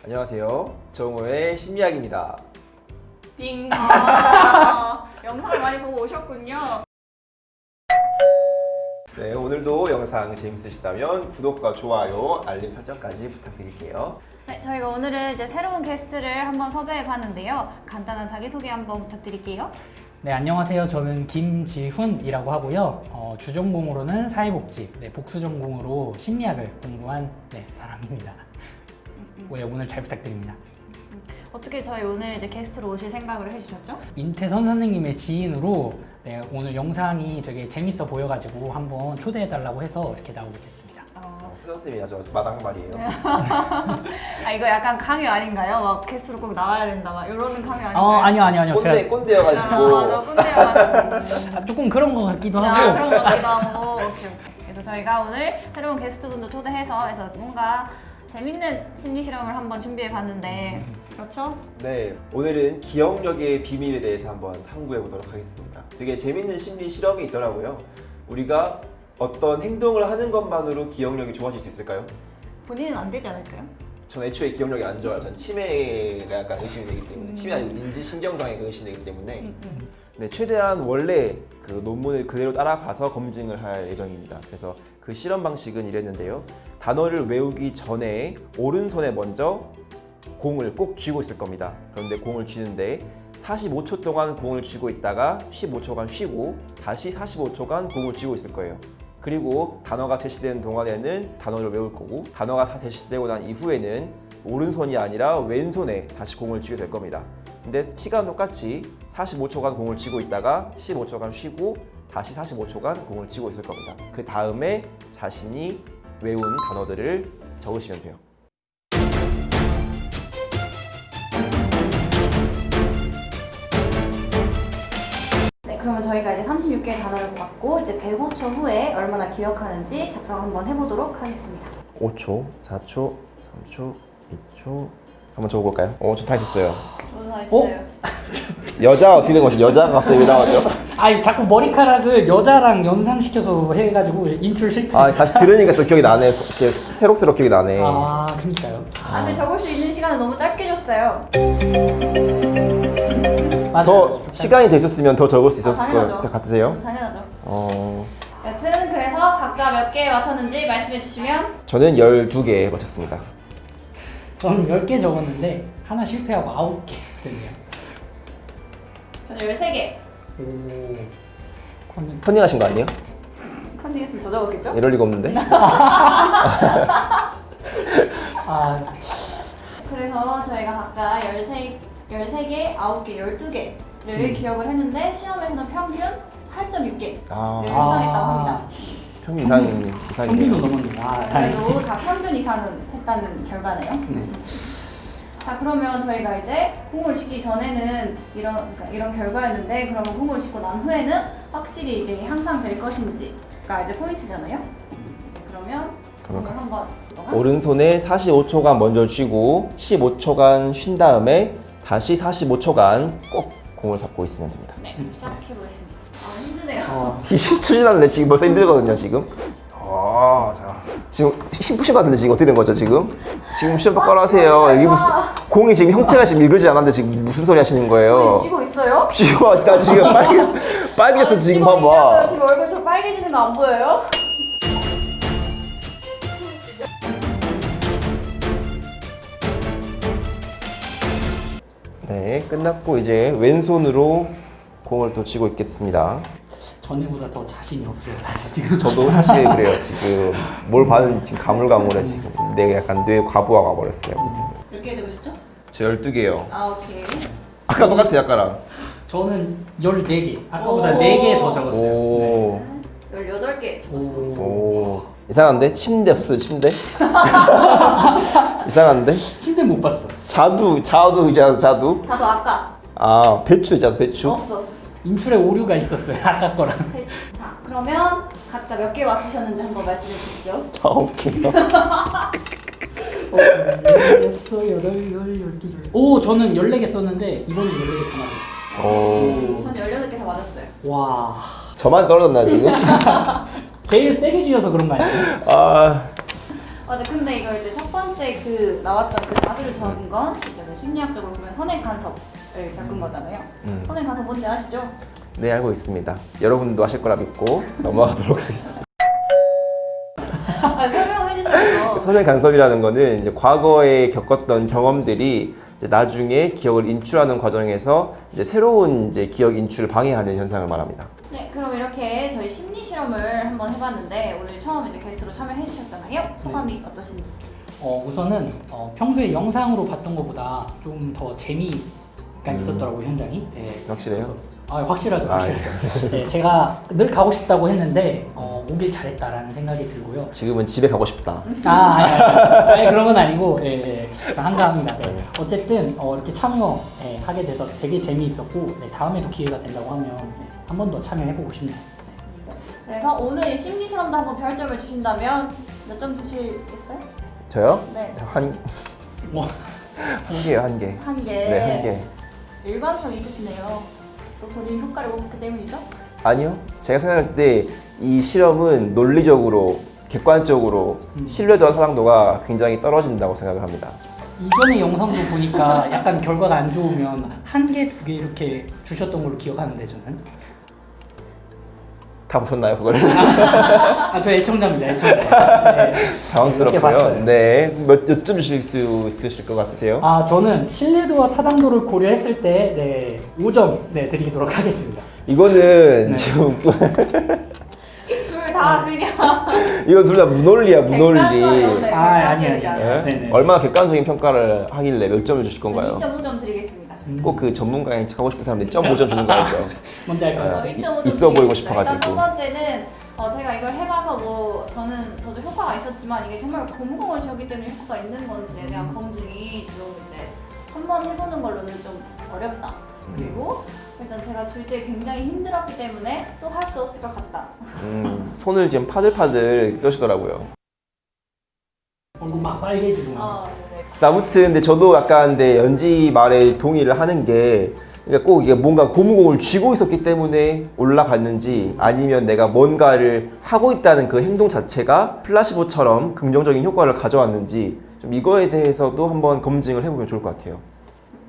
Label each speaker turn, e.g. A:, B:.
A: 안녕하세요. 정호의 심리학입니다.
B: 띵.
C: 영상을 많이 보고 오셨군요.
A: 네, 오늘도 영상 재밌으시다면 구독과 좋아요, 알림 설정까지 부탁드릴게요.
C: 네, 저희가 오늘은 이제 새로운 게스트를 한번 섭외해 봤는데요. 간단한 자기소개 한번 부탁드릴게요.
B: 네, 안녕하세요. 저는 김지훈이라고 하고요. 주전공으로는 사회복지, 복수전공으로 심리학을 공부한 사람입니다. 오늘 잘 부탁드립니다.
C: 어떻게 저희 오늘 이제 게스트로 오실 생각을 해주셨죠?
B: 인태선 선생님의 지인으로 오늘 영상이 되게 재밌어 보여가지고 한번 초대해달라고 해서 이렇게 나오게 됐습니다.
A: 태 선생님이 아주 마당말이에요.
C: 아 이거 약간 강요 아닌가요? 막 게스트로 꼭 나와야 된다 막 이러는 강요 아닌가요?
B: 아니요.
A: 꼰대여가지고.
C: 맞아 꼰대여가지고.
B: 조금 그런 것 같기도
C: 아,
B: 하고.
C: 그런 것 같기도 하고. 오케이. 그래서 저희가 오늘 새로운 게스트분도 초대해서 뭔가 재밌는 심리 실험을 한번 준비해 봤는데 그렇죠?
A: 네, 오늘은 기억력의 비밀에 대해서 한번 탐구해 보도록 하겠습니다. 되게 재밌는 심리 실험이 있더라고요. 우리가 어떤 행동을 하는 것만으로 기억력이 좋아질 수 있을까요?
C: 본인은 안 되지 않을까요?
A: 전 애초에 기억력이 안 좋아요. 전 치매가 약간 의심이 되기 때문에 치매 아니고 인지신경장애가 의심이 되기 때문에 네, 최대한 원래 그 논문을 그대로 따라가서 검증을 할 예정입니다. 그래서 그 실험 방식은 이랬는데요. 단어를 외우기 전에 오른손에 먼저 공을 꼭 쥐고 있을 겁니다. 그런데 공을 쥐는데 45초 동안 공을 쥐고 있다가 15초간 쉬고 다시 45초간 공을 쥐고 있을 거예요. 그리고 단어가 제시되는 동안에는 단어를 외울 거고 단어가 다 제시되고 난 이후에는 오른손이 아니라 왼손에 다시 공을 쥐게 될 겁니다. 근데 시간 똑같이 45초간 공을 쥐고 있다가 15초간 쉬고 다시 45초간 공을 쥐고 있을 겁니다. 그 다음에 자신이 외운 단어들을 적으시면 돼요.
C: 네, 그러면 저희가 이제 36개의 단어를 갖고 이제 105초 후에 얼마나 기억하는지 작성 한번 해보도록 하겠습니다.
A: 5초, 4초, 3초, 2초 한번 적어볼까요? 저 다 했었어요.
C: 저도 다 했어요.
A: 여자 어떻게 된 거죠? 여자가 갑자기 왜 나왔죠?
B: 자꾸 머리카락을 여자랑 연상시켜서 해가지고 인출 실패.
A: 다시 들으니까 또 기억이 나네. 이렇게 새록새록 기억이 나네.
B: 그니까요.
C: 근데 적을 수 있는 시간은 너무 짧게 줬어요.
B: 맞아요.
A: 더 시간이 더 있었으면 더 적을 수 있었을
C: 당연하죠.
A: 것 같으세요?
C: 당연하죠.
A: 어,
C: 여튼 그래서 각자 몇 개 맞췄는지 말씀해 주시면.
A: 저는 12개 맞췄습니다.
B: 저는 10개 적었는데 하나 실패하고 9개 됐네요.
C: 저는 13개.
A: 컨닝하신 거 아니에요?
C: 컨닝했으면 더 적었겠죠?
A: 이럴 리가 없는데?
C: 그래서 저희가 각자 13개, 9개, 12개를 기억을 했는데 시험에서는 평균 8.6개를 형성했다고 합니다.
A: 평균 이상이네요.
B: 평균도 넘었네요.
C: 그래도 다 평균 이상은 했다는 결과네요. 자, 그러면 저희가 이제 공을 쥐기 전에는 이런 결과였는데 그러면 공을 쥐고 난 후에는 확실히 이게 향상될 것인지가 이제 포인트잖아요. 이제 그러면 공을 한번
A: 오른손에 45초간 먼저 쥐고 15초간 쉰 다음에 다시 45초간 꼭 공을 잡고 있으면 됩니다.
C: 네, 시작해 보겠습니다. 힘드네요.
A: 20초 지났는데 지금 벌써 힘들거든요, 지금. 자. 지금 힘 푸신 것 같은데 지금 어떻게 된 거죠, 지금? 지금 시험 똑바로 하세요. 이게 무슨 공이 지금 형태가 지금 일그러지 않았는데 지금 무슨 소리 하시는 거예요?
C: 쥐고 있어요?
A: 쥐고 나 지금 빨개졌어 지금 봐봐.
C: 지금 얼굴 좀 빨개지는 거 안 보여요?
A: 네, 끝났고 이제 왼손으로 공을 또 쥐고 있겠습니다.
B: 전에보다 더 자신이 없어요, 사실 지금.
A: 저도 사실 그래요. 지금 뭘 봤는지 지금 가물가물해 지금. 내가 약간 뇌 과부하가 버렸어요.
C: 몇 개 적으셨죠?
A: 저 12개요.
C: 오케이.
A: 아까 똑같아요, 아까랑.
B: 저는 14개. 아까보다 4개 더 적었어요.
A: 오.
C: 18개 적었어요.
A: 오. 이상한데? 침대 없어요, 침대? 이상한데?
B: 침대 못 봤어.
A: 자두 의자, 자두?
C: 저도 아까
A: 배추 의자, 배추?
C: 없어.
B: 인출에 오류가 있었어요, 아까 거랑.
C: 자, 그러면 각자 몇 개 맞추셨는지 한번 말씀해 주시죠.
A: 자, 오케이.
B: 오, 저는 14개 썼는데 이번엔 14개 다 맞았어요.
A: 오.
C: 저는 18개 다 맞았어요.
B: 와.
A: 저만 떨어졌나 지금?
B: 제일 세게 쥐어서 그런 거 아니에요?
C: 맞아. 근데 이거 이제 첫 번째 그 나왔던 그 4주를 적은 건 이제 뭐 심리학적으로 보면 선행 간섭을 겪은 거잖아요. 선행 간섭 뭔지 아시죠?
A: 네, 알고 있습니다. 여러분도 아실 거라 믿고 넘어가도록 하겠습니다.
C: 아, 설명을 해주셔야죠.
A: 선행 간섭이라는 거는 이제 과거에 겪었던 경험들이 이제 나중에 기억을 인출하는 과정에서 이제 새로운 이제 기억 인출을 방해하는 현상을 말합니다.
C: 네, 그럼 이렇게 저희 심리 실험을 한번 해봤는데 오늘 처음 이제 게스트로 참여해 주셨잖아요. 소감이 어떠신지?
B: 우선은 평소에 영상으로 봤던 것보다 좀 더 재미가 있었더라고요, 현장이. 네.
A: 확실해요?
B: 확실하죠,
A: 아,
B: 확실하죠. 네, 제가 늘 가고 싶다고 했는데 오길 잘했다라는 생각이 들고요.
A: 지금은 집에 가고 싶다.
B: 아니, 그런 건 아니고, 예, 한가합니다. 네. 어쨌든 이렇게 참여하게 돼서 되게 재미있었고, 네, 다음에도 기회가 된다고 하면 한 번 더 참여해보고 싶네요.
C: 그래서 오늘 심리 실험도 한번 별점을 주신다면 몇 점 주시겠어요?
A: 저요?
C: 네.
B: 뭐,
A: 한 개요, 한 개.
C: 한 개.
A: 네, 한 개.
C: 일관성 있으시네요. 또 본인 효과를 못 봤기 때문이죠?
A: 아니요. 제가 생각할 때 이 실험은 논리적으로, 객관적으로 신뢰도와 사랑도가 굉장히 떨어진다고 생각을 합니다.
B: 이전의 영상도 보니까 약간 결과가 안 좋으면 한 개, 두 개 이렇게 주셨던 걸로 기억하는데 저는.
A: 다 보셨나요, 그걸?
B: 저 애청자입니다, 애청자. 네. 이렇게
A: 당황스럽고요.
B: 봤어요.
A: 네. 몇 점 주실 수 있으실 것 같으세요?
B: 저는 신뢰도와 타당도를 고려했을 때 5점 드리도록 하겠습니다.
A: 이거는
B: 네.
A: 지금
C: 둘 다 그냥
A: 이거 둘 다 무논리야, 무논리.
C: 객관성이
B: 아니요.
A: 네?
B: 네네.
A: 얼마나 객관적인 평가를 하길래 몇 점을 주실 건가요?
C: 2.5점 드리겠습니다.
A: 꼭 그 전문가인 척하고 싶은 사람들이 2.5점 주는 거 알죠?
B: 뭔지 알 것 같아요.
C: 2.5점
A: 있어 보이고
C: 드리겠습니다. 일단
A: 싶어가지고.
C: 첫 번째는 제가 이걸 해봐서 뭐 저도 효과가 있었지만 이게 정말 고무공을 지었기 때문에 효과가 있는 건지에 대한 검증이 좀 이제 한번 해보는 걸로는 좀 어렵다. 그리고 일단 제가 줄 때 굉장히 힘들었기 때문에 또 할 수 없을 것 같다.
A: 손을 지금 파들파들 떠시더라고요.
B: 얼굴 막 빨개지고.
C: 네.
A: 아무튼 근데 저도 약간 근데 연지 말에 동의를 하는 게 그러니까 꼭 이게 뭔가 고무공을 쥐고 있었기 때문에 올라갔는지 아니면 내가 뭔가를 하고 있다는 그 행동 자체가 플라시보처럼 긍정적인 효과를 가져왔는지 좀 이거에 대해서도 한번 검증을 해보면 좋을 것 같아요.